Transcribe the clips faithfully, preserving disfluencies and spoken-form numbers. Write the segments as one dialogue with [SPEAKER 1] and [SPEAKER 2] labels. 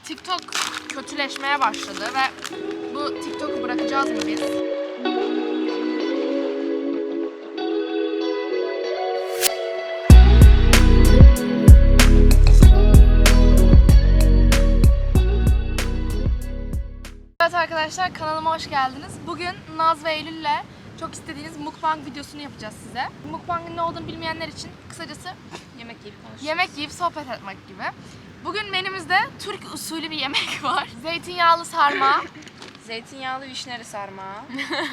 [SPEAKER 1] TikTok kötüleşmeye başladı ve bu TikTok'u bırakacağız mı biz? Evet arkadaşlar, kanalıma hoş geldiniz. Bugün Naz ve Eylül'le çok istediğiniz mukbang videosunu yapacağız size. Mukbang'ın ne olduğunu bilmeyenler için kısacası
[SPEAKER 2] Yemek yiyip konuşacağız.
[SPEAKER 1] yemek yiyip sohbet etmek gibi. Bugün menümüzde Türk usulü bir yemek var. Zeytinyağlı sarma,
[SPEAKER 2] Zeytinyağlı vişneli sarma,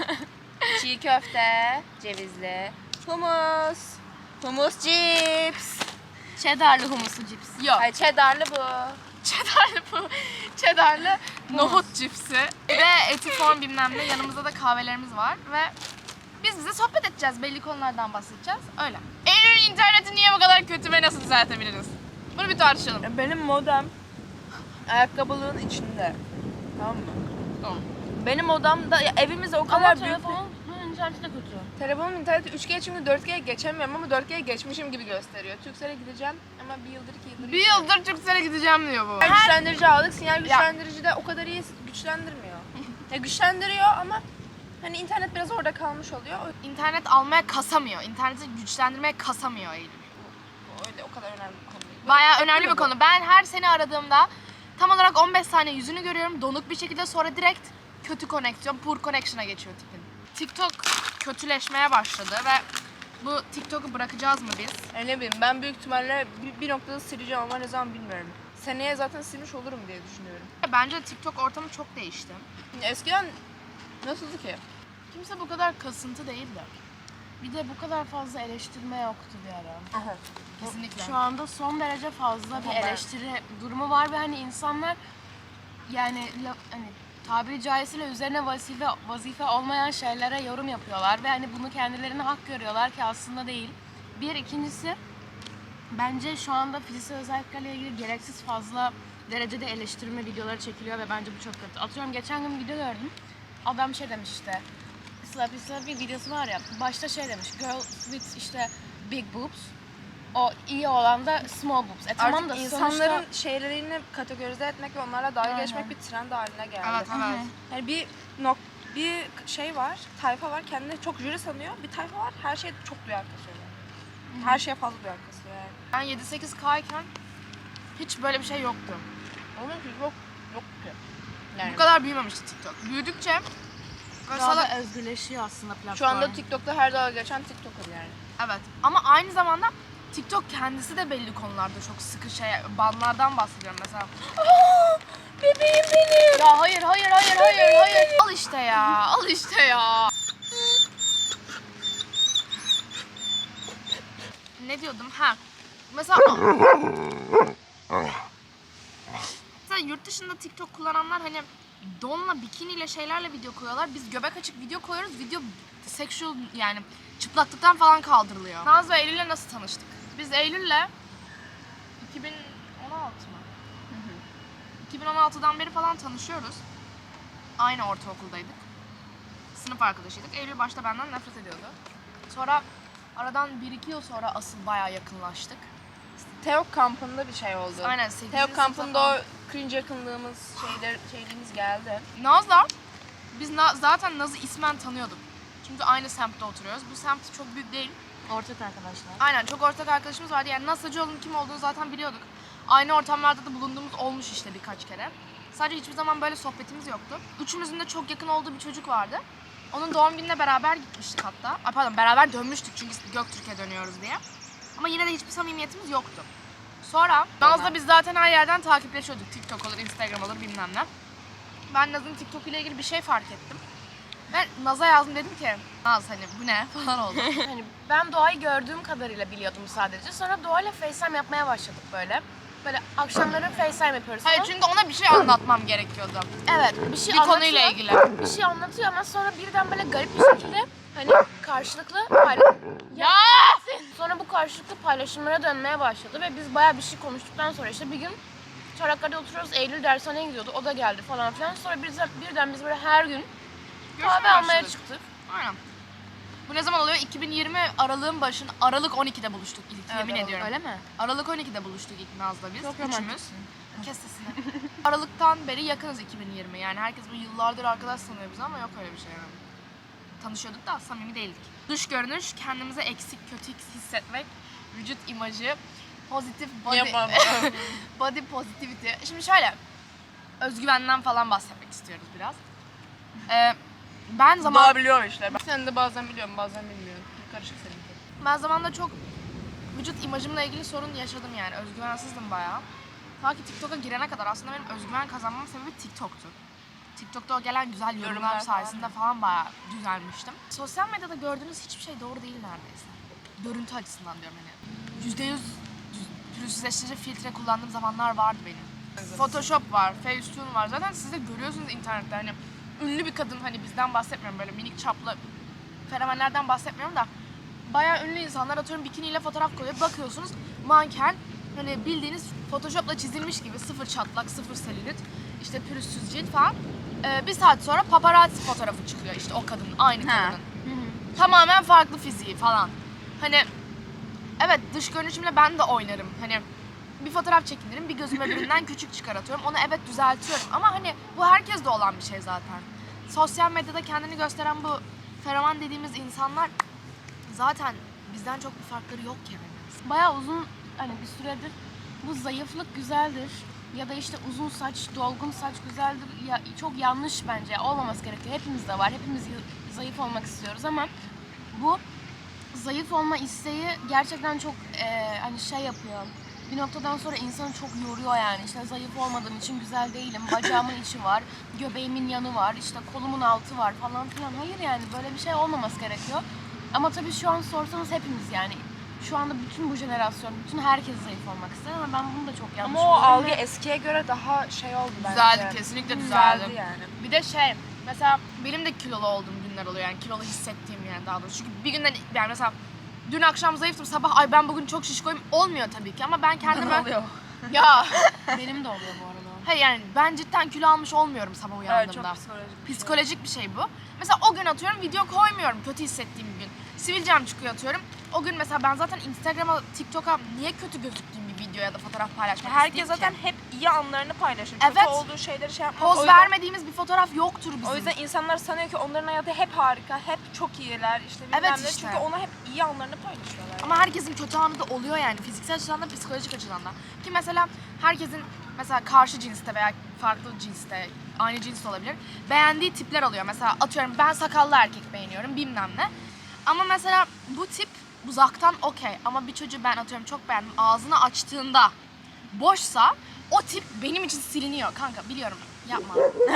[SPEAKER 2] çiğ köfte, cevizli, humus, humus cips.
[SPEAKER 1] cheddarlı humuslu cips. Yok.
[SPEAKER 2] Ay cheddarlı bu.
[SPEAKER 1] Cheddarlı bu. Cheddarlı nohut cipsi. Bir de eti form bilmem ne. Yanımızda da kahvelerimiz var ve biz bize sohbet edeceğiz. Belli konulardan bahsedeceğiz. Öyle. Eylül'ün interneti niye bu kadar kötü ve nasıl düzeltebiliriz? Bunu bir tartışalım.
[SPEAKER 2] Benim modem ayakkabılığın içinde. Tamam mı?
[SPEAKER 1] Tamam.
[SPEAKER 2] Benim odamda, ya evimiz o kadar
[SPEAKER 1] Ama
[SPEAKER 2] büyük.
[SPEAKER 1] telefonun interneti de kötü.
[SPEAKER 2] Telefonum interneti üç G, çünkü dört G'ye geçemiyorum ama dört G'ye geçmişim gibi gösteriyor. Turkcell'e gideceğim ama bir yıldır iki yıldır.
[SPEAKER 1] Bir yıldır Türkcell'e gideceğim diyor bu.
[SPEAKER 2] Sinyal güçlendirici aldık. Sinyal güçlendirici de o kadar iyi güçlendirmiyor. Ya güçlendiriyor ama hani internet biraz orada kalmış oluyor. O-
[SPEAKER 1] İnternet almaya kasamıyor. İnterneti güçlendirmeye kasamıyor Eylül.
[SPEAKER 2] Bu öyle o kadar önemli bir konu değil.
[SPEAKER 1] Bayağı önemli
[SPEAKER 2] Değil
[SPEAKER 1] bir
[SPEAKER 2] mi bu?
[SPEAKER 1] konu. Ben her seni aradığımda tam olarak on beş saniye yüzünü görüyorum. Donuk bir şekilde, sonra direkt kötü koneksiyon, poor connection'a geçiyor tipin. TikTok kötüleşmeye başladı ve bu TikTok'u bırakacağız mı biz?
[SPEAKER 2] Yani ne bileyim, ben büyük ihtimalle bir, bir noktada sileceğim ama ne zaman bilmiyorum. Seneye zaten silmiş olurum diye düşünüyorum.
[SPEAKER 1] Bence TikTok ortamı çok değişti.
[SPEAKER 2] Eskiden nasıldı ki?
[SPEAKER 1] Kimse bu kadar kasıntı değildi.
[SPEAKER 3] Bir de bu kadar fazla eleştirme yoktu bir ara.
[SPEAKER 2] Aha.
[SPEAKER 1] Kesinlikle.
[SPEAKER 3] Şu anda son derece fazla bir
[SPEAKER 2] Ama ben-
[SPEAKER 3] eleştiri durumu var ve hani insanlar yani la- hani tabiri caizse üzerine vazife vazife olmayan şeylere yorum yapıyorlar ve hani bunu kendilerine hak görüyorlar ki aslında değil. Bir ikincisi bence şu anda fiziksel özelliklerle ilgili gereksiz fazla derecede eleştirme videoları çekiliyor ve bence bu çok kötü. Atıyorum geçen gün bir video gördüm. Adam şey demiş işte. Slappy Slappy videosu var ya, başta şey demiş, girl with işte big boobs, o iyi olan da small boobs. E tamam
[SPEAKER 2] Artık
[SPEAKER 3] da
[SPEAKER 2] insanların
[SPEAKER 3] sonuçta...
[SPEAKER 2] şeylerini kategorize etmek ve onlarla dalga
[SPEAKER 3] Aynen.
[SPEAKER 2] geçmek bir trend haline geldi.
[SPEAKER 1] Evet, evet.
[SPEAKER 2] Yani bir nok bir şey var, tayfa var, kendini çok jüri sanıyor. Bir tayfa var, her şeye çok duyar kasıyor. Yani. Her şeye fazla duyar kasıyor yani.
[SPEAKER 1] Ben yedi sekiz K iken hiç böyle bir şey yoktu.
[SPEAKER 2] Onun için yok, yok ki. Yani
[SPEAKER 1] Bu kadar büyümemişti TikTok. Büyüdükçe böyle
[SPEAKER 3] Daha
[SPEAKER 1] salak-
[SPEAKER 3] da özgürleşiyor aslında platform.
[SPEAKER 2] şu anda TikTok'ta her dalga geçen TikToker yani.
[SPEAKER 1] Evet, ama aynı zamanda TikTok kendisi de belli konularda çok sıkı şey, banlardan bahsediyorum mesela.
[SPEAKER 2] Bebeğim benim.
[SPEAKER 1] Ya hayır, hayır, hayır, hayır, hayır. Al işte ya, al işte ya. Ne diyordum? Ha. Mesela Mesela yurt dışında TikTok kullananlar hani donla, bikiniyle, şeylerle video koyuyorlar. Biz göbek açık video koyuyoruz. Video sexual, yani çıplaklıktan falan kaldırılıyor. Naz ve Eylül'le nasıl tanıştık? Biz Eylül'le iki bin on altı mı? iki bin on altıdan beri falan tanışıyoruz. Aynı ortaokuldaydık. Sınıf arkadaşıydık. Eylül başta benden nefret ediyordu. Sonra aradan bir iki yıl sonra asıl bayağı yakınlaştık.
[SPEAKER 2] Teok kampında bir şey oldu.
[SPEAKER 1] Aynen, sekizinci
[SPEAKER 2] Teok
[SPEAKER 1] sınıfta
[SPEAKER 2] kampında
[SPEAKER 1] falan.
[SPEAKER 2] o cringe yakınlığımız, şeyler, şeyliğimiz geldi.
[SPEAKER 1] Naz'la biz Na- zaten Naz'ı ismen tanıyorduk. Çünkü aynı semtte oturuyoruz. Bu semt çok büyük değil.
[SPEAKER 3] Ortak arkadaşlar.
[SPEAKER 1] Aynen, çok ortak arkadaşımız vardı. Yani Naz Hacıoğlu'nun kim olduğunu zaten biliyorduk. Aynı ortamlarda da bulunduğumuz olmuş işte birkaç kere. Sadece hiçbir zaman böyle sohbetimiz yoktu. Üçümüzün de çok yakın olduğu bir çocuk vardı. Onun doğum gününe beraber gitmiştik hatta. Ay pardon, beraber dönmüştük çünkü Göktürk'e dönüyoruz diye. Ama yine de hiçbir samimiyetimiz yoktu. Sonra Naz'la biz zaten her yerden takipleşiyorduk. TikTok olur, Instagram olur, bilmem ne. Ben Naz'ın TikTok ile ilgili bir şey fark ettim. Ben Naz'a yazdım, dedim ki Naz hani bu ne falan oldu.
[SPEAKER 3] Hani ben Doğa'yı gördüğüm kadarıyla biliyordum sadece. Sonra Doğa'yla FaceTime yapmaya başladık böyle. Böyle akşamları FaceTime yapıyoruz.
[SPEAKER 1] Hayır,
[SPEAKER 3] falan.
[SPEAKER 1] çünkü ona bir şey anlatmam gerekiyordu.
[SPEAKER 3] Evet, bir şey
[SPEAKER 1] Bir
[SPEAKER 3] anlatıyor.
[SPEAKER 1] konuyla ilgili.
[SPEAKER 3] Bir şey anlatıyor ama sonra birden böyle garip bir şekilde hani karşılıklı paylaş...
[SPEAKER 1] Ya!
[SPEAKER 3] Sonra bu karşılıklı paylaşımlara dönmeye başladı ve biz bayağı bir şey konuştuktan sonra işte bir gün Çanakkale'de oturuyoruz, Eylül dershaneye gidiyordu, o da geldi falan filan. Sonra biz birden biz böyle her gün kahve almaya çıktık.
[SPEAKER 1] Aynen. Bu ne zaman oluyor? iki bin yirmi Aralık'ın başında, Aralık on ikide buluştuk ilk,
[SPEAKER 2] Evet,
[SPEAKER 1] yemin
[SPEAKER 2] evet.
[SPEAKER 1] ediyorum.
[SPEAKER 3] Öyle mi?
[SPEAKER 1] Aralık on ikide buluştuk ilk Naz'la biz,
[SPEAKER 3] Çok
[SPEAKER 1] üçümüz.
[SPEAKER 3] romantiksin.
[SPEAKER 1] Kes sesini. Aralıktan beri yakınız iki bin yirmi. Yani herkes bu yıllardır arkadaş sanıyor bizi ama yok öyle bir şey yani. Tanışıyorduk da samimi değildik. Dış görünüş, kendimize eksik, kötü hissetmek, vücut imajı, pozitif body,
[SPEAKER 2] Yapamam.
[SPEAKER 1] body positivity. Şimdi şöyle, özgüvenden falan bahsetmek istiyoruz biraz. Ee, ben zaman
[SPEAKER 2] Doğabiliyor işte. Sen de bazen biliyorum, bazen bilmiyorum. Karışık seninki.
[SPEAKER 1] ben zamanla çok vücut imajımla ilgili sorun yaşadım yani. Özgüvensizdim bayağı. Ta ki TikTok'a girene kadar aslında benim özgüven kazanmam sebebi TikTok'tu. TikTok'ta o gelen güzel yorumlar,
[SPEAKER 2] Yorumlar
[SPEAKER 1] sayesinde
[SPEAKER 2] falan.
[SPEAKER 1] falan bayağı düzelmiştim. Sosyal medyada gördüğünüz hiçbir şey doğru değil neredeyse. Görüntü açısından diyorum hani. yüzde yüz pürüzsüzleştirici filtre kullandığım zamanlar vardı benim. Photoshop var, Facetune var. Zaten siz de görüyorsunuz internette hani ünlü bir kadın, hani bizden bahsetmiyorum, böyle minik çaplı fenomenlerden bahsetmiyorum da bayağı ünlü insanlar atıyorum bikiniyle fotoğraf koyuyor. Bakıyorsunuz manken, hani bildiğiniz Photoshop'la çizilmiş gibi, sıfır çatlak, sıfır selülit, işte pürüzsüz cilt falan. Ee, bir saat sonra paparazzi fotoğrafı çıkıyor işte o kadının, aynı
[SPEAKER 2] Ha.
[SPEAKER 1] kadının. Tamamen farklı fiziği falan. Hani evet, dış görünüşümle ben de oynarım. Hani bir fotoğraf çekinirim, bir gözüm öbüründen küçük çıkartıyorum. Onu evet düzeltiyorum ama hani bu herkeste olan bir şey zaten. Sosyal medyada kendini gösteren bu fenomen dediğimiz insanlar zaten bizden çok bir farkları yok yani.
[SPEAKER 3] Bayağı uzun hani bir süredir bu zayıflık güzeldir ya da işte uzun saç, dolgun saç güzeldir. Ya çok yanlış bence. Olmaması gerekiyor. Hepimizde var. Hepimiz y- zayıf olmak istiyoruz ama bu zayıf olma isteği gerçekten çok eee, hani şey yapıyor. Bir noktadan sonra insanı çok yoruyor yani. İşte zayıf olmadığım için güzel değilim. Bacağımın içi var, göbeğimin yanı var, işte kolumun altı var falan filan. Hayır yani böyle bir şey olmaması gerekiyor. Ama tabii şu an sorsanız hepimiz yani şu anda bütün bu jenerasyon, bütün herkes zayıf olmak ister ama ben bunu da çok yanlış
[SPEAKER 2] Ama o
[SPEAKER 3] buluyorum
[SPEAKER 2] algı
[SPEAKER 3] ve
[SPEAKER 2] eskiye göre daha şey oldu bence.
[SPEAKER 1] Düzeldi, kesinlikle düzeldi.
[SPEAKER 2] Düzeldi yani.
[SPEAKER 1] Bir de şey, mesela benim de kilolu olduğum günler oluyor yani, kilolu hissettiğim yani daha doğrusu. Çünkü bir günden yani mesela dün akşam zayıftım, sabah ay ben bugün çok şişkoyum olmuyor tabii ki ama ben kendime...
[SPEAKER 2] oluyor?
[SPEAKER 1] Ya
[SPEAKER 3] benim de oluyor bu arada.
[SPEAKER 1] hayır yani ben cidden kilo almış olmuyorum sabah
[SPEAKER 2] Evet,
[SPEAKER 1] uyandığımda.
[SPEAKER 2] çok psikolojik. bir şey.
[SPEAKER 1] Psikolojik bir şey bu. Mesela o gün atıyorum video koymuyorum kötü hissettiğim gün. Sivilcem çıkıyor atıyorum. O gün mesela ben zaten Instagram'a, TikTok'a niye kötü gözüktüğüm bir video ya da fotoğraf paylaşmak
[SPEAKER 2] Herkes
[SPEAKER 1] isteyeyim
[SPEAKER 2] zaten
[SPEAKER 1] ki?
[SPEAKER 2] hep iyi anlarını paylaşır.
[SPEAKER 1] Evet.
[SPEAKER 2] Kötü olduğu şeyleri şey yapmaz.
[SPEAKER 1] Poz
[SPEAKER 2] O yüzden-
[SPEAKER 1] vermediğimiz bir fotoğraf yoktur bizim.
[SPEAKER 2] O yüzden insanlar sanıyor ki onların hayatı hep harika, hep çok iyiler, işte bilmem
[SPEAKER 1] Evet
[SPEAKER 2] ne.
[SPEAKER 1] işte.
[SPEAKER 2] Çünkü ona hep iyi anlarını paylaşıyorlar.
[SPEAKER 1] Ama herkesin kötü anı da oluyor yani, fiziksel açıdan da psikolojik açıdan da. Ki mesela herkesin mesela karşı cinste veya farklı cinste, aynı cins de olabilir, beğendiği tipler oluyor. Mesela atıyorum ben sakallı erkek beğeniyorum bilmem ne. Ama mesela bu tip uzaktan okey ama bir çocuğu ben atıyorum çok beğendim, ağzını açtığında boşsa o tip benim için siliniyor kanka, biliyorum, yapma.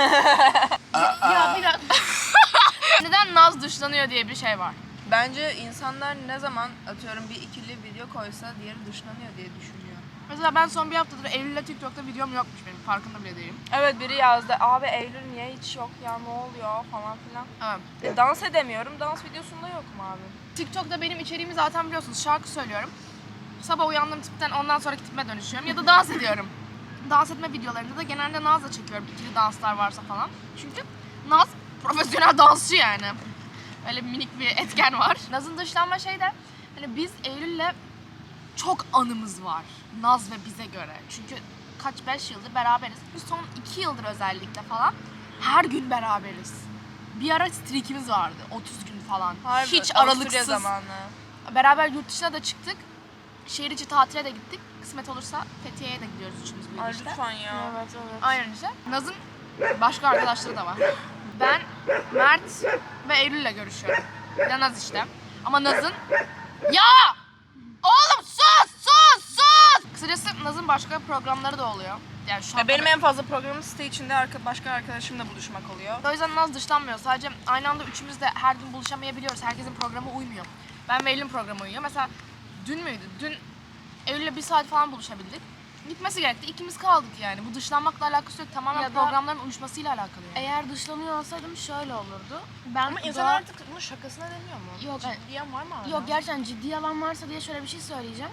[SPEAKER 1] ya biraz... Neden Naz dışlanıyor diye bir şey var.
[SPEAKER 2] Bence insanlar ne zaman atıyorum bir ikili video koysa diğeri dışlanıyor diye düşünüyor.
[SPEAKER 1] Mesela ben son bir haftadır Eylül'le TikTok'ta videom yokmuş benim, farkında bile değilim.
[SPEAKER 2] Evet, biri yazdı, abi Eylül niye hiç yok ya, ne oluyor falan filan.
[SPEAKER 1] Evet.
[SPEAKER 2] E, dans edemiyorum, dans videosunda yokum abi.
[SPEAKER 1] TikTok'ta benim içeriğimi zaten biliyorsunuz, şarkı söylüyorum. Sabah uyandığım tipten ondan sonraki tipime dönüşüyorum ya da dans ediyorum. Dans etme videolarında da genelde Naz'la çekiyorum, ikili danslar varsa falan. Çünkü Naz profesyonel dansçı yani. Öyle minik bir etken var. Naz'ın dışlanma şey de, hani biz Eylül'le çok anımız var Naz ve bize göre. Çünkü kaç beş yıldır beraberiz. Bu son iki yıldır özellikle falan her gün beraberiz. Bir ara streakimiz vardı otuz gün falan.
[SPEAKER 2] Harbi,
[SPEAKER 1] Hiç
[SPEAKER 2] Avusturya
[SPEAKER 1] aralıksız.
[SPEAKER 2] zamanı.
[SPEAKER 1] Beraber yurt dışına da çıktık. Şehir içi tatile de gittik. Kısmet olursa Fethiye'ye de gidiyoruz üçümüz
[SPEAKER 2] Ay
[SPEAKER 1] birlikte.
[SPEAKER 2] lütfen ya.
[SPEAKER 3] Evet evet.
[SPEAKER 1] Aynen işte. Naz'ın başka arkadaşları da var. Ben, Mert ve Eylül'le görüşüyorum. Bir de Naz işte. Ama Naz'ın... Ya! Oğlum sus! Sus! Sus! Kısacası Naz'ın başka programları da oluyor. Yani şu an
[SPEAKER 2] Ya benim en fazla programım site içinde arka, başka arkadaşımla buluşmak oluyor.
[SPEAKER 1] O yüzden Naz dışlanmıyor. Sadece aynı anda üçümüz de her gün buluşamayabiliyoruz. Herkesin programı uymuyor. Ben ve Eylül'ün programı uyuyor. Mesela dün müydü? Dün Eylül'le bir saat falan buluşabildik. Gitmesi gerekti. İkimiz kaldık yani. Bu dışlanmakla alakası yok. Tamamen
[SPEAKER 3] Ya da-
[SPEAKER 1] programların uyuşmasıyla alakalı yani.
[SPEAKER 3] Eğer dışlanıyor olsaydım şöyle olurdu. Ben
[SPEAKER 2] Ama insan
[SPEAKER 3] doğa-
[SPEAKER 2] artık bunun şakasına deniyor mu?
[SPEAKER 3] Yok, ben-
[SPEAKER 2] Ciddiyen var mı hala?
[SPEAKER 3] Yok gerçekten ciddi yalan varsa diye şöyle bir şey söyleyeceğim.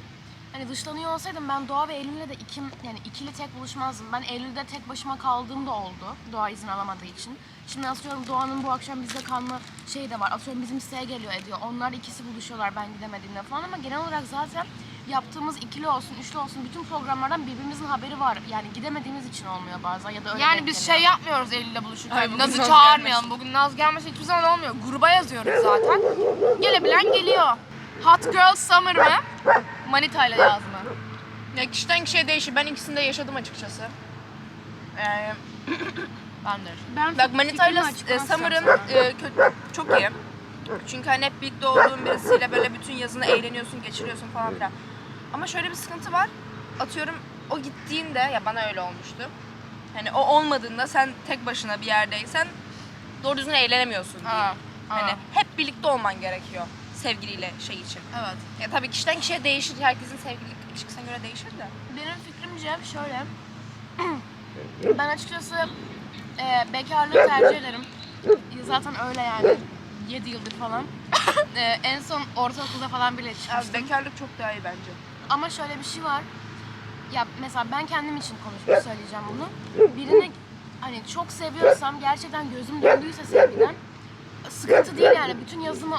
[SPEAKER 3] hani dışlanıyor olsaydım ben Doğa ve Eylül'le de ikim, yani ikili tek buluşmazdım. Ben Eylül'de tek başıma kaldığım da oldu. Doğa izin alamadığı için. Şimdi atıyorum Doğan'ın bu akşam bizde kalma şeyi de var. Atıyorum bizim siteye geliyor ediyor. Onlar ikisi buluşuyorlar ben gidemediğimde falan ama genel olarak zaten yaptığımız ikili olsun, üçlü olsun bütün programlardan birbirimizin haberi var. Yani gidemediğimiz için olmuyor bazen ya da öyle
[SPEAKER 1] Yani
[SPEAKER 3] denk
[SPEAKER 1] biz
[SPEAKER 3] geliyor.
[SPEAKER 1] şey yapmıyoruz Eylül'le buluşurken.
[SPEAKER 2] Ay, bugün
[SPEAKER 1] Naz'ı
[SPEAKER 2] Naz
[SPEAKER 1] çağırmayalım. Bugün Naz gelmese hiçbir zaman olmuyor. Gruba yazıyoruz zaten. Gelebilen geliyor. Hot Girl Summer mı? Manita ile yaz mı?
[SPEAKER 2] Ya kişiden kişiye değişir. Ben ikisini de yaşadım açıkçası. Ee,
[SPEAKER 1] Ben de.
[SPEAKER 3] Ben
[SPEAKER 2] bak Manita'yla
[SPEAKER 3] fikrimi
[SPEAKER 2] e,
[SPEAKER 3] açıklamam
[SPEAKER 2] Summer'ın
[SPEAKER 3] zaten.
[SPEAKER 2] e, kötü, çok iyi. Çünkü hani hep birlikte olduğun birisiyle böyle bütün yazını eğleniyorsun, geçiriyorsun falan filan. Ama şöyle bir sıkıntı var. Atıyorum o gittiğinde, ya bana öyle olmuştu. Hani o olmadığında sen tek başına bir yerdeysen doğru düzgün eğlenemiyorsun diyeyim.
[SPEAKER 1] Ha,
[SPEAKER 2] Hani
[SPEAKER 1] ha.
[SPEAKER 2] hep birlikte olman gerekiyor sevgiliyle şey için.
[SPEAKER 1] Evet.
[SPEAKER 2] Ya tabii kişiden kişiye değişir. Herkesin sevgililik ilişkisine göre değişir de.
[SPEAKER 3] Benim fikrimce şöyle. Ben açıkçası e, bekarlığı tercih ederim. Zaten öyle yani. yedi yıldır falan. E, en son ortaokulda falan bile
[SPEAKER 2] Abi
[SPEAKER 3] çıkmıştım.
[SPEAKER 2] bekarlık çok daha iyi bence.
[SPEAKER 3] Ama şöyle bir şey var. Ya mesela ben kendim için konuşup söyleyeceğim bunu. Birini hani çok seviyorsam, gerçekten gözüm döndüyse sevgiden sıkıntı değil yani. Bütün yazımı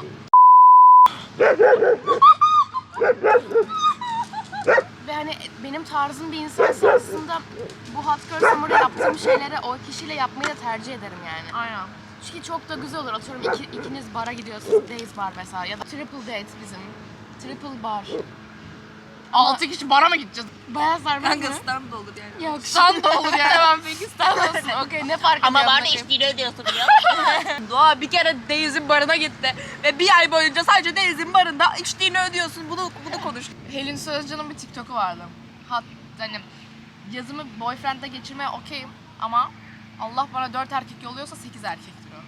[SPEAKER 3] ve hani benim tarzım bir insansa aslında bu Hot Girl Summer'da yaptığım şeyleri o kişiyle yapmayı da tercih ederim yani.
[SPEAKER 1] Aynen.
[SPEAKER 3] Çünkü çok da güzel olur. Atıyorum iki, ikiniz bara gidiyorsunuz. Days bar mesela ya da triple date bizim. Triple bar.
[SPEAKER 1] Altı kişi bara mı gideceğiz?
[SPEAKER 3] Bayağı sarmaz mı?
[SPEAKER 2] stand da olur yani.
[SPEAKER 3] Yok.
[SPEAKER 1] Stand da olur yani.
[SPEAKER 3] Tamam peki stand olsun. Okey ne fark ediyor?
[SPEAKER 2] Ama var da
[SPEAKER 3] bakayım?
[SPEAKER 2] içtiğini ödüyorsun ya. Doğa bir kere Deniz'in barına gitti ve bir ay boyunca sadece Deniz'in barında içtiğini ödüyorsun. Bunu bunu konuş.
[SPEAKER 1] Helin Sözcan'ın bir TikTok'u vardı. Hat, hani yazımı boyfriend'le geçirmeye okeyim ama Allah bana dört erkek yolluyorsa sekiz erkek diyor.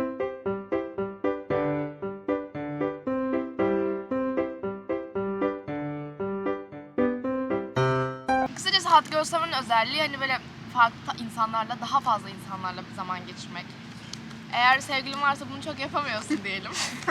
[SPEAKER 1] Kısacası Hot Girl Summer'ın özelliği hani böyle farklı insanlarla, daha fazla insanlarla bir zaman geçirmek. Eğer sevgilin varsa bunu çok yapamıyorsun diyelim.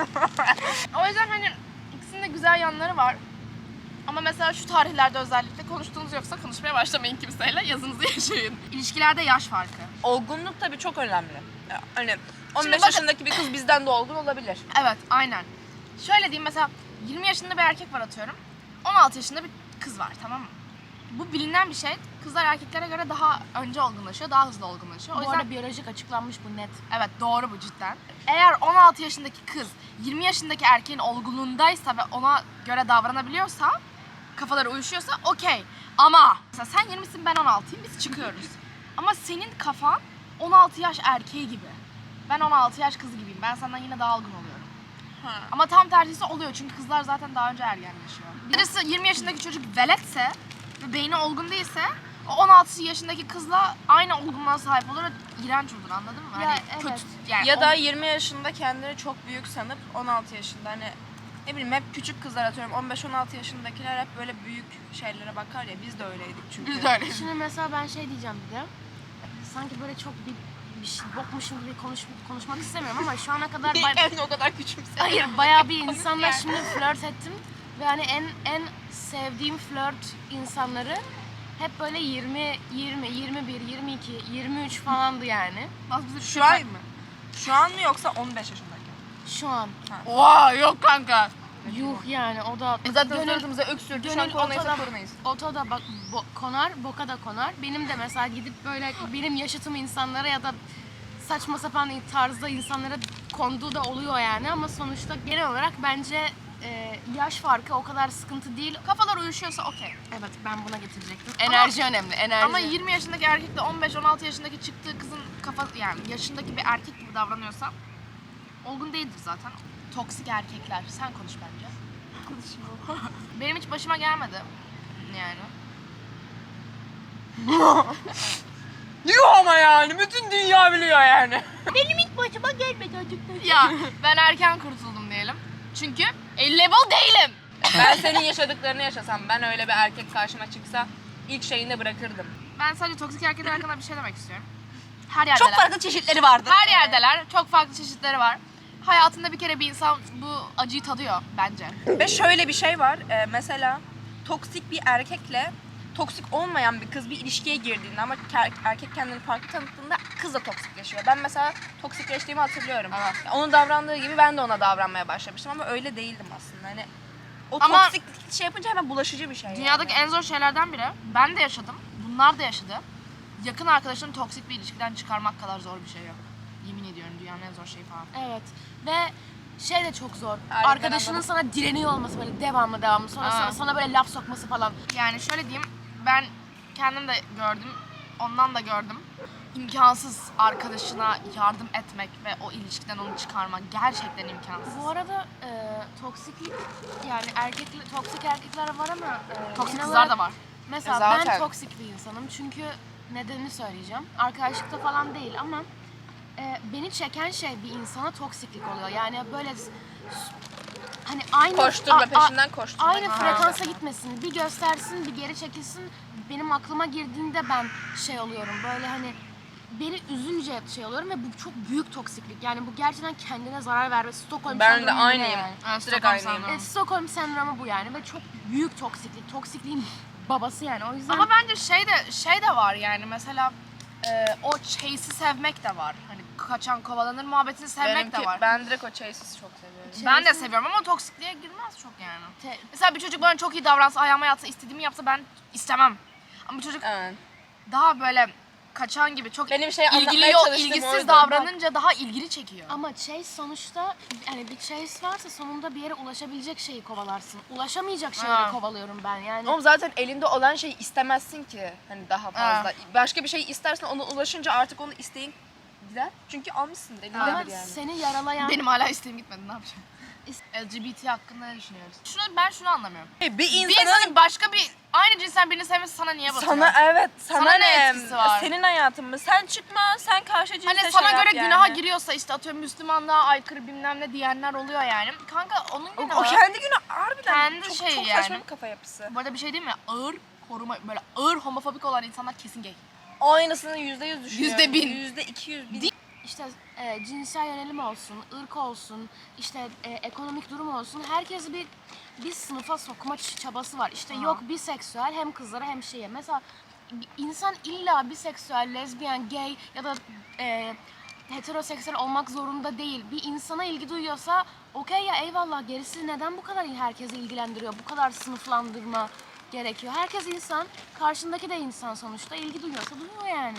[SPEAKER 1] O yüzden hani ikisinin de güzel yanları var. Ama mesela şu tarihlerde özellikle konuştuğunuz yoksa konuşmaya başlamayın kimseyle. Yazınızı yaşayın. İlişkilerde yaş farkı.
[SPEAKER 2] Olgunluk tabii çok önemli. Ya, hani on
[SPEAKER 1] Şimdi
[SPEAKER 2] beş
[SPEAKER 1] bakın-
[SPEAKER 2] yaşındaki bir kız bizden de olgun olabilir.
[SPEAKER 1] Evet, aynen. Şöyle diyeyim mesela yirmi yaşında bir erkek var atıyorum. on altı yaşında bir kız var, tamam mı? Bu bilinen bir şey. Kızlar erkeklere göre daha önce olgunlaşıyor, daha hızlı olgunlaşıyor. O
[SPEAKER 3] Bu
[SPEAKER 1] yüzden
[SPEAKER 3] arada biyolojik açıklanmış bu net.
[SPEAKER 1] evet doğru bu cidden. Eğer on altı yaşındaki kız yirmi yaşındaki erkeğin olgunluğundaysa ve ona göre davranabiliyorsa, kafaları uyuşuyorsa okey. Ama mesela sen yirmisin ben on altıyım biz çıkıyoruz. Ama senin kafan on altı yaş erkeği gibi. Ben on altı yaş kızı gibiyim. Ben senden yine daha olgun oluyorum.
[SPEAKER 2] Ha.
[SPEAKER 1] Ama tam tersi oluyor çünkü kızlar zaten daha önce ergenleşiyor. Birisi yirmi yaşındaki çocuk veletse ve beyni olgun değilse o on altı yaşındaki kızla aynı olgunluğa sahip olur ve iğrenç olur, anladın mı?
[SPEAKER 3] Ya,
[SPEAKER 1] Hani
[SPEAKER 3] evet.
[SPEAKER 1] kötü yani
[SPEAKER 2] Ya da
[SPEAKER 1] o-
[SPEAKER 2] yirmi yaşında kendini çok büyük sanıp on altı yaşında hani ne bileyim hep küçük kızlar atıyorum on beş on altı yaşındakiler hep böyle büyük şeylere bakar ya biz de öyleydik çünkü.
[SPEAKER 1] biz de öyle.
[SPEAKER 3] Şimdi mesela ben şey diyeceğim bir de. Sanki böyle çok bir, bir şey bokmuşum gibi konuş, konuşmak istemiyorum ama şu ana kadar bay-
[SPEAKER 2] Yani o kadar küçümse.
[SPEAKER 3] hayır bayağı bir insanla
[SPEAKER 2] yani.
[SPEAKER 3] şimdi flört ettim ve hani en en sevdiğim flört insanları hep böyle yirmi, yirmi, yirmi bir, yirmi iki, yirmi üç falandı yani.
[SPEAKER 1] Nasıl bizi
[SPEAKER 2] Şu an mı? Şu an mı yoksa on beş yaşındayken?
[SPEAKER 3] Şu an.
[SPEAKER 1] Oha yok kanka.
[SPEAKER 3] Yuh yani o da
[SPEAKER 2] E zaten
[SPEAKER 3] gönül,
[SPEAKER 2] suratımıza öksürdü. Şu an
[SPEAKER 3] gönül
[SPEAKER 2] koronaysa
[SPEAKER 3] otoda,
[SPEAKER 2] koronayız.
[SPEAKER 3] otoda bak bo, konar, boka da konar. Benim de mesela gidip böyle benim yaşıtım insanlara ya da saçma sapan tarzda insanlara konduğu da oluyor yani ama sonuçta genel olarak bence e, yaş farkı o kadar sıkıntı değil.
[SPEAKER 1] Kafalar uyuşuyorsa okey.
[SPEAKER 3] Evet ben buna getirecektim. Enerji önemli, enerji.
[SPEAKER 1] Ama yirmi yaşındaki erkekle on beş on altı yaşındaki çıktığı kızın kafa yani yaşındaki bir erkek gibi davranıyorsa olgun değildir zaten. Toksik erkekler. Sen konuş bence. Konuşma. Benim hiç başıma gelmedi. Yani.
[SPEAKER 2] Diyor ama yani bütün dünya biliyor yani.
[SPEAKER 3] başıma gelmedi acıktı.
[SPEAKER 1] Ya ben erken kurtuldum diyelim. Çünkü level değilim.
[SPEAKER 2] Ben senin yaşadıklarını yaşasam, ben öyle bir erkek karşıma çıksa ilk şeyinde bırakırdım.
[SPEAKER 1] Ben sadece toksik erkekler hakkında bir şey demek istiyorum. Her yerdeler.
[SPEAKER 2] Çok farklı çeşitleri vardı.
[SPEAKER 1] Her yerdeler. Çok farklı çeşitleri var. Hayatında bir kere bir insan bu acıyı tadıyor bence.
[SPEAKER 2] Ve şöyle bir şey var. e, mesela toksik bir erkekle toksik olmayan bir kız bir ilişkiye girdiğinde ama ker- erkek kendini farklı tanıttığında kız da toksikleşiyor. Ben mesela toksikleştiğimi hatırlıyorum.
[SPEAKER 1] Evet.
[SPEAKER 2] Yani onun davrandığı gibi ben de ona davranmaya başlamıştım ama öyle değildim aslında. Hani o
[SPEAKER 1] Ama-
[SPEAKER 2] toksik şey yapınca hemen bulaşıcı bir şey.
[SPEAKER 1] Dünyadaki
[SPEAKER 2] yani.
[SPEAKER 1] en zor şeylerden biri. Ben de yaşadım. Bunlar da yaşadı. Yakın arkadaşını toksik bir ilişkiden çıkarmak kadar zor bir şey yok. Yemin ediyorum dünyanın en zor şeyi falan.
[SPEAKER 3] Evet. Ve şey de çok zor.
[SPEAKER 2] Aynen,
[SPEAKER 3] Arkadaşının
[SPEAKER 2] anladım.
[SPEAKER 3] sana direniyor olması böyle devamlı devamlı. Sonra
[SPEAKER 1] Ha.
[SPEAKER 3] sana, sana böyle laf sokması falan.
[SPEAKER 1] Yani şöyle diyeyim, ben kendim de gördüm, ondan da gördüm. İmkansız arkadaşına yardım etmek ve o ilişkiden onu çıkarmak gerçekten imkansız.
[SPEAKER 3] Bu arada e, toksiklik yani erkekli toksik erkekler var ama e,
[SPEAKER 1] Toksik
[SPEAKER 3] genel
[SPEAKER 1] kızlar
[SPEAKER 3] olarak-
[SPEAKER 1] da var.
[SPEAKER 3] Mesela
[SPEAKER 2] E zaten.
[SPEAKER 3] ben toksik bir insanım çünkü nedenini söyleyeceğim. Arkadaşlıkta falan değil ama e, beni çeken şey bir insana toksiklik oluyor. Yani böyle s- hani aynı
[SPEAKER 2] Koşturma,
[SPEAKER 3] a- a-
[SPEAKER 2] peşinden koşturma.
[SPEAKER 3] aynı
[SPEAKER 2] Ha.
[SPEAKER 3] frekansa gitmesin. Bir göstersin, bir geri çekilsin. Benim aklıma girdiğinde ben şey oluyorum. Böyle hani beni üzünce şey oluyorum ve bu çok büyük toksiklik. Yani bu gerçekten kendine zarar verme. Stockholm
[SPEAKER 2] Ben de
[SPEAKER 3] sendromu yine
[SPEAKER 2] aynıyım.
[SPEAKER 3] yani.
[SPEAKER 1] Evet,
[SPEAKER 2] Direkt
[SPEAKER 1] Stockholm
[SPEAKER 2] aynıyım.
[SPEAKER 1] sendromu.
[SPEAKER 3] E, Stockholm sendromu bu yani ve çok büyük toksiklik. Toksikliğin babası yani. O yüzden
[SPEAKER 1] Ama bence şey de şey de var yani mesela e, o chase'i sevmek de var. Hani kaçan kovalanır muhabbetini sevmek
[SPEAKER 2] Benimki,
[SPEAKER 1] de var.
[SPEAKER 2] ben direkt o chase'i çok seviyorum.
[SPEAKER 1] Ben de
[SPEAKER 3] Chase'i-
[SPEAKER 1] seviyorum ama toksikliğe girmez çok yani.
[SPEAKER 3] Te-
[SPEAKER 1] Mesela bir çocuk bana çok iyi davransa, ayağıma yatsa, istediğimi yapsa ben istemem. Ama bir çocuk
[SPEAKER 2] Evet.
[SPEAKER 1] daha böyle kaçan gibi çok
[SPEAKER 2] Benim şey
[SPEAKER 1] ilgili
[SPEAKER 2] anlatmaya
[SPEAKER 1] yok,
[SPEAKER 2] çalıştığım
[SPEAKER 1] ilgisiz
[SPEAKER 2] oydu.
[SPEAKER 1] davranınca daha ilgili çekiyor.
[SPEAKER 3] Ama chase sonuçta yani bir chase varsa sonunda bir yere ulaşabilecek şeyi kovalarsın. Ulaşamayacak şeyleri
[SPEAKER 1] Ha.
[SPEAKER 3] kovalıyorum ben yani.
[SPEAKER 2] Oğlum zaten elinde olan şeyi istemezsin ki hani daha fazla. Başka bir şey istersen ona ulaşınca artık onu isteğin gider. Çünkü almışsın
[SPEAKER 3] Ama
[SPEAKER 2] elindedir yani.
[SPEAKER 3] seni yaralayan
[SPEAKER 1] Benim hala isteğim gitmedi, ne yapacağım? L G B T hakkında ne düşünüyoruz? Şunu, ben şunu anlamıyorum.
[SPEAKER 2] Bir
[SPEAKER 1] Bir
[SPEAKER 2] insanın
[SPEAKER 1] insanın başka bir, aynı cinsten birini sevmesi sana niye batıyor?
[SPEAKER 2] sana evet sana,
[SPEAKER 1] Sana ne
[SPEAKER 2] ne?
[SPEAKER 1] etkisi var?
[SPEAKER 2] Senin hayatın mı? Sen çıkma, sen karşı cinse
[SPEAKER 1] Hani
[SPEAKER 2] şey
[SPEAKER 1] sana
[SPEAKER 2] yap
[SPEAKER 1] göre
[SPEAKER 2] yani.
[SPEAKER 1] günaha giriyorsa işte atıyorum Müslümanlığa aykırı bilmem ne diyenler oluyor yani. Kanka onun
[SPEAKER 2] O,
[SPEAKER 1] günahı.
[SPEAKER 2] o kendi günü harbiden
[SPEAKER 1] Kendi
[SPEAKER 2] çok,
[SPEAKER 1] şeyi
[SPEAKER 2] çok
[SPEAKER 1] yani.
[SPEAKER 2] saçma bir kafa yapısı.
[SPEAKER 1] Bu arada bir şey değil mi? Ağır koruma, böyle ağır homofobik olan insanlar kesin gay.
[SPEAKER 2] Aynısını yüzde yüz düşünüyorum.
[SPEAKER 1] Yüzde bin.
[SPEAKER 2] Yüzde iki yüz bin.
[SPEAKER 3] işte e, cinsel yönelim olsun, ırk olsun, işte e, ekonomik durum olsun. Herkesi bir bir sınıfa sokma ç- çabası var. İşte
[SPEAKER 1] Ha.
[SPEAKER 3] yok biseksüel hem kızlara hem şeye. Mesela bir insan illa biseksüel, lezbiyen, gay ya da e, heteroseksüel olmak zorunda değil. Bir insana ilgi duyuyorsa okey ya eyvallah, gerisi neden bu kadar herkesi ilgilendiriyor? Bu kadar sınıflandırma gerekiyor. Herkes insan, karşındaki de insan sonuçta. İlgi duyuyorsa duyuyor yani.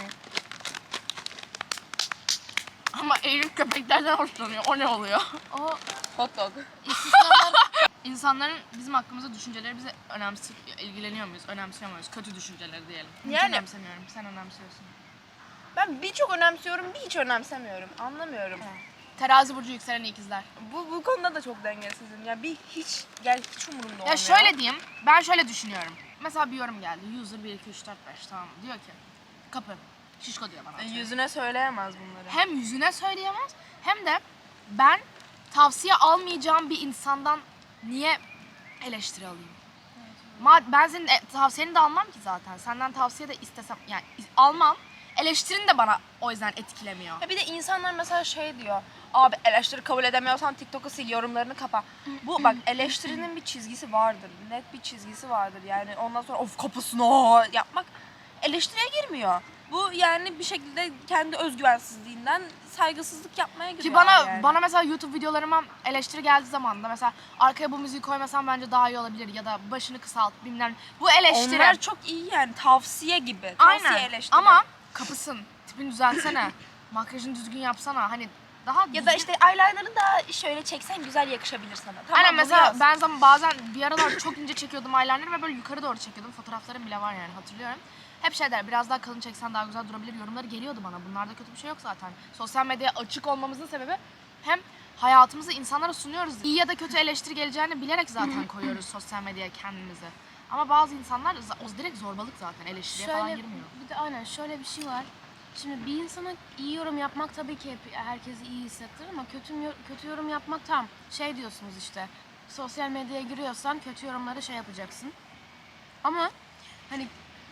[SPEAKER 1] Ama Eylül köpeklerden hoşlanıyor. O ne oluyor?
[SPEAKER 3] O
[SPEAKER 2] Hot dog.
[SPEAKER 3] istisnalar
[SPEAKER 1] İnsanların bizim hakkımızda düşünceleri bize önemsi ilgileniyor muyuz? Önemsiyor muyuz? Kötü düşünceleri diyelim. Hiç
[SPEAKER 2] Yani-
[SPEAKER 1] önemsemiyorum. Sen önemsiyorsun.
[SPEAKER 2] Ben bir çok önemsiyorum, bir hiç önemsemiyorum. Anlamıyorum.
[SPEAKER 1] Terazi burcu yükselen ikizler.
[SPEAKER 2] Bu bu konuda da çok dengesizim. Ya bir hiç gel hiç umurumda olmuyor.
[SPEAKER 1] Ya şöyle diyeyim, ben şöyle düşünüyorum. Mesela bir yorum geldi. User bir iki üç dört beş, tamam mı? Diyor ki kapı. Şişko diyor bana.
[SPEAKER 2] E, yüzüne söyleyemez bunları.
[SPEAKER 1] Hem yüzüne söyleyemez hem de ben tavsiye almayacağım bir insandan niye eleştiri alayım? Ma ben senin e, tavsiyeni de almam ki zaten. Senden tavsiye de istesem yani is- almam. Eleştirin de bana o yüzden etkilemiyor.
[SPEAKER 2] Ya bir de insanlar mesela şey diyor. Abi eleştiri kabul edemiyorsan TikTok'u sil, yorumlarını kapa. Bu bak eleştirinin bir çizgisi vardır. Net bir çizgisi vardır. Yani ondan sonra of kapısını yapmak eleştiriye girmiyor. Bu yani bir şekilde kendi özgüvensizliğinden saygısızlık yapmaya giriyor.
[SPEAKER 1] Ki bana
[SPEAKER 2] yani.
[SPEAKER 1] bana mesela YouTube videolarıma eleştiri geldiği zaman da mesela arkaya bu müziği koymasam bence daha iyi olabilir ya da başını kısalt bilmem ne. Bu eleştiri.
[SPEAKER 2] Onlar çok iyi yani tavsiye gibi. Tavsiye
[SPEAKER 1] Aynen.
[SPEAKER 2] eleştiri.
[SPEAKER 1] Ama kapısın. Tipini düzeltsene. Makyajını düzgün yapsana. Hani daha
[SPEAKER 2] ya da
[SPEAKER 1] düzgün-
[SPEAKER 2] işte eyeliner'ı da şöyle çeksen güzel yakışabilir sana. Tamam,
[SPEAKER 1] Aynen
[SPEAKER 2] bunu
[SPEAKER 1] mesela
[SPEAKER 2] yaz.
[SPEAKER 1] ben zaman bazen bir aralar çok ince çekiyordum eyeliner'ı ve böyle yukarı doğru çekiyordum. Fotoğraflarım bile var yani hatırlıyorum. Hep şey der, biraz daha kalın çeksen daha güzel durabilir yorumları geliyordu bana. Bunlarda kötü bir şey yok zaten. Sosyal medyaya açık olmamızın sebebi hem hayatımızı insanlara sunuyoruz. İyi ya da kötü eleştiri geleceğini bilerek zaten koyuyoruz sosyal medyaya kendimizi. Ama bazı insanlar za- o direkt zorbalık zaten, eleştiriye falan
[SPEAKER 3] şöyle
[SPEAKER 1] girmiyor.
[SPEAKER 3] bir de aynen şöyle bir şey var. Şimdi bir insana iyi yorum yapmak tabii ki hep herkesi iyi hissettirir ama kötü kötü yorum yapmak tam şey diyorsunuz işte. Sosyal medyaya giriyorsan kötü yorumları şey yapacaksın. Ama hani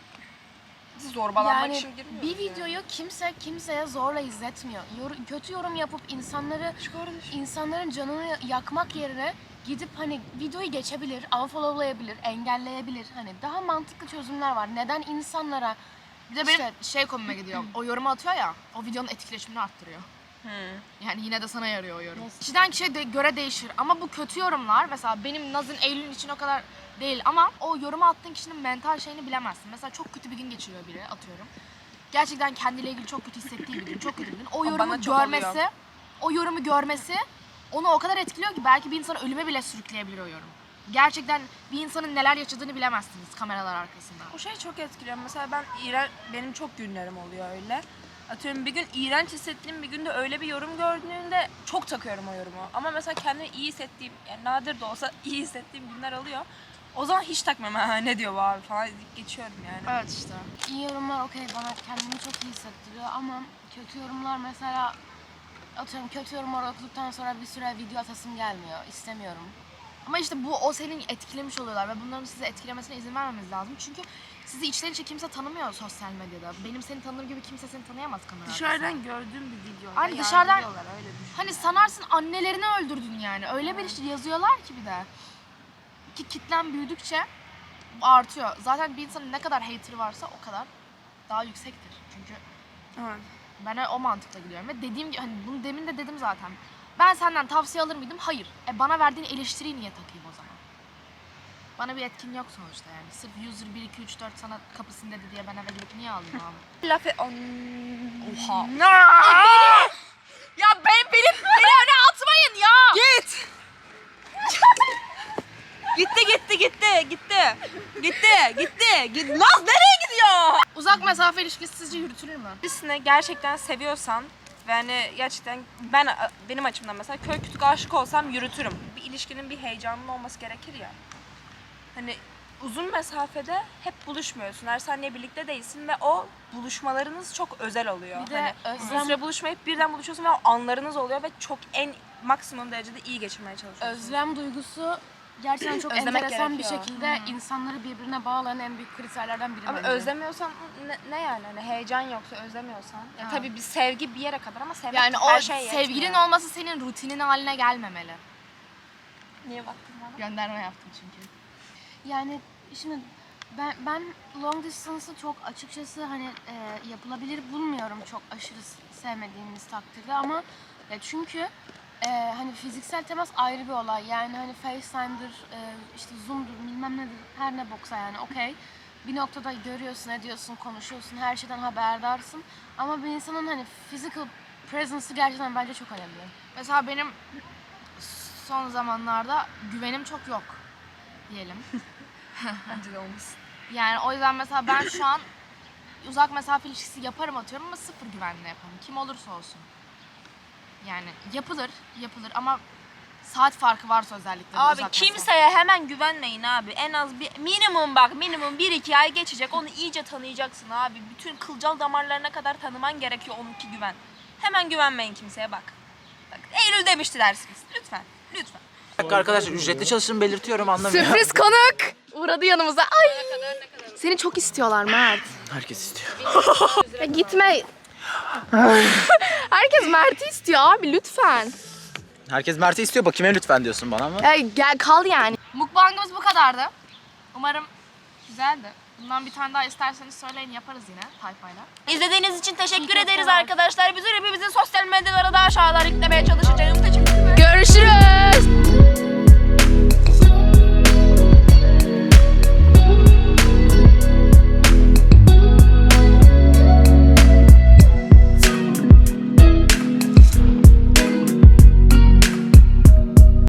[SPEAKER 2] zorbalanmak
[SPEAKER 3] yani
[SPEAKER 2] için girmiyoruz
[SPEAKER 3] bir
[SPEAKER 2] yani.
[SPEAKER 3] videoyu kimse kimseye zorla izletmiyor. Yor- kötü yorum yapıp insanları insanların canını yakmak yerine gidip hani videoyu geçebilir, unfollowlayabilir, engelleyebilir. Hani daha mantıklı çözümler var. Neden insanlara
[SPEAKER 1] Bir de benim işte, şey komime gidiyor. O yorumu atıyor ya, o videonun etkileşimini arttırıyor.
[SPEAKER 2] Hmm.
[SPEAKER 1] Yani yine de sana yarıyor o yorum.
[SPEAKER 3] Yes.
[SPEAKER 1] Kişiden kişiye de göre değişir ama bu kötü yorumlar mesela benim Naz'ın Eylül'ün için o kadar değil ama o yorumu attığın kişinin mental şeyini bilemezsin. Mesela çok kötü bir gün geçiriyor biri atıyorum. Gerçekten kendiyle ilgili çok kötü hissettiği bir gün, çok kötü bir gün. O,
[SPEAKER 2] O
[SPEAKER 1] yorumu
[SPEAKER 2] bana çok
[SPEAKER 1] görmesi,
[SPEAKER 2] oluyor.
[SPEAKER 1] o yorumu görmesi onu o kadar etkiliyor ki belki bir insanı ölüme bile sürükleyebilir o yorum. Gerçekten bir insanın neler yaşadığını bilemezsiniz kameralar arkasında.
[SPEAKER 2] O şey çok etkiliyor. Mesela ben iğren benim çok günlerim oluyor öyle. Atıyorum bir gün iğrenç hissettiğim bir günde öyle bir yorum gördüğümde çok takıyorum o yorumu. Ama mesela kendimi iyi hissettiğim, yani nadir de olsa iyi hissettiğim günler oluyor. O zaman hiç takmıyorum. Ha, ne diyor bu abi falan deyip geçiyorum yani.
[SPEAKER 1] Evet işte.
[SPEAKER 3] iyi yorumlar okey bana kendimi çok iyi hissettiriyor ama kötü yorumlar mesela atıyorum kötü yorumlar okuduktan sonra bir süre video atasım gelmiyor. İstemiyorum.
[SPEAKER 1] Ama işte bu o senin etkilemiş oluyorlar ve bunların sizi etkilemesine izin vermemiz lazım. Çünkü sizi içten içe kimse tanımıyor sosyal medyada. Benim seni tanır gibi kimse seni tanıyamaz kamera arkasında.
[SPEAKER 2] gördüğüm bir video.
[SPEAKER 1] Hani dışarıdan-
[SPEAKER 2] öyle düşün.
[SPEAKER 1] Hani sanarsın annelerini öldürdün yani. Öyle bir şey yazıyorlar ki bir de. Ki kitlen büyüdükçe artıyor. Zaten bir insanın ne kadar hater'ı varsa o kadar daha yüksektir. Çünkü
[SPEAKER 2] Evet.
[SPEAKER 1] ben o mantıkla gidiyorum ve dediğim gibi hani bunu demin de dedim zaten. Ben senden tavsiye alır mıydım? Hayır. E bana verdiğin eleştiriyi niye takayım o zaman? Bana bir etkin yok sonuçta yani. Sırf user bir iki üç dört sana kapısını dedi diye ben eve gidip niye alayım abi?
[SPEAKER 2] Laf et...
[SPEAKER 1] Oha.
[SPEAKER 2] Ya ben benim beni öne atmayın ya. Git. gitti gitti gitti gitti. Gitti gitti. Git. Naz nereye gidiyor?
[SPEAKER 1] Uzak mesafe ilişkisi sizce yürütülür mü?
[SPEAKER 2] Birisini gerçekten seviyorsan ve hani gerçekten ben benim açımdan mesela kör kütük aşık olsam yürütürüm. Bir ilişkinin bir heyecanının olması gerekir ya. Hani uzun mesafede hep buluşmuyorsun. Her saniye birlikte değilsin ve o buluşmalarınız çok özel oluyor.
[SPEAKER 3] Bir de
[SPEAKER 2] hani uzun
[SPEAKER 3] özlem-
[SPEAKER 2] süre buluşmayıp birden buluşuyorsun ve o anlarınız oluyor ve çok en maksimum derecede iyi geçirmeye çalışıyorsun.
[SPEAKER 3] Özlem duygusu gerçekten çok
[SPEAKER 2] Özlemek
[SPEAKER 3] enteresan bir
[SPEAKER 2] gerekiyor.
[SPEAKER 3] şekilde insanları birbirine bağlayan en büyük kriterlerden biri
[SPEAKER 2] Ama
[SPEAKER 3] bence.
[SPEAKER 2] özlemiyorsan ne, ne yani? Hani heyecan yoksa özlemiyorsan. Ya tabii bir sevgi bir yere kadar ama sevmek
[SPEAKER 1] Yani
[SPEAKER 2] her
[SPEAKER 1] o
[SPEAKER 2] şey yetmiyor.
[SPEAKER 1] sevgilin olması senin rutinin haline gelmemeli.
[SPEAKER 2] Niye baktın bana?
[SPEAKER 1] Gönderme yaptım çünkü.
[SPEAKER 3] Yani şimdi ben ben long distance'ı çok açıkçası hani e, yapılabilir bulmuyorum çok aşırı s- sevmediğimiz takdirde ama ya çünkü e, hani fiziksel temas ayrı bir olay. Yani hani FaceTime'dır, e, işte Zoom'dur, bilmem nedir, her ne boksa yani okey. Bir noktada görüyorsun, ediyorsun, konuşuyorsun, her şeyden haberdarsın. Ama bir insanın hani physical presence'ı gerçekten bence çok önemli.
[SPEAKER 1] Mesela benim son zamanlarda güvenim çok yok diyelim.
[SPEAKER 2] Bence de olmasın.
[SPEAKER 1] Yani o yüzden mesela ben şu an uzak mesafe ilişkisi yaparım atıyorum ama sıfır güvenle yaparım. Kim olursa olsun. Yani yapılır, yapılır ama saat farkı varsa özellikle. bu
[SPEAKER 2] Abi
[SPEAKER 1] uzak mesafe.
[SPEAKER 2] kimseye hemen güvenmeyin abi. En az bir minimum bak minimum bir iki ay geçecek. Onu iyice tanıyacaksın abi. Bütün kılcal damarlarına kadar tanıman gerekiyor onunki güven. Hemen güvenmeyin kimseye bak. Bak Eylül demişti dersiniz. Lütfen. Lütfen.
[SPEAKER 4] Arkadaşlar ücretli çalıştığımı belirtiyorum anlamıyor.
[SPEAKER 1] Sürpriz konuk uğradı yanımıza. Ay. Seni çok istiyorlar Mert.
[SPEAKER 4] Herkes istiyor.
[SPEAKER 1] Ya gitme. Herkes Mert'i istiyor abi lütfen.
[SPEAKER 4] Herkes Mert'i istiyor. Bakayım lütfen diyorsun bana ama.
[SPEAKER 1] Ya gel kal yani. Mukbangımız bu kadardı. Umarım güzeldi. Bundan bir tane daha isterseniz söyleyin yaparız yine tayfayla.
[SPEAKER 2] İzlediğiniz için teşekkür ederiz arkadaşlar. Biz hepimizin sosyal medyalara da aşağıdan yüklemeye çalışacağım. Teşekkür ederim.
[SPEAKER 1] Görüşürüz.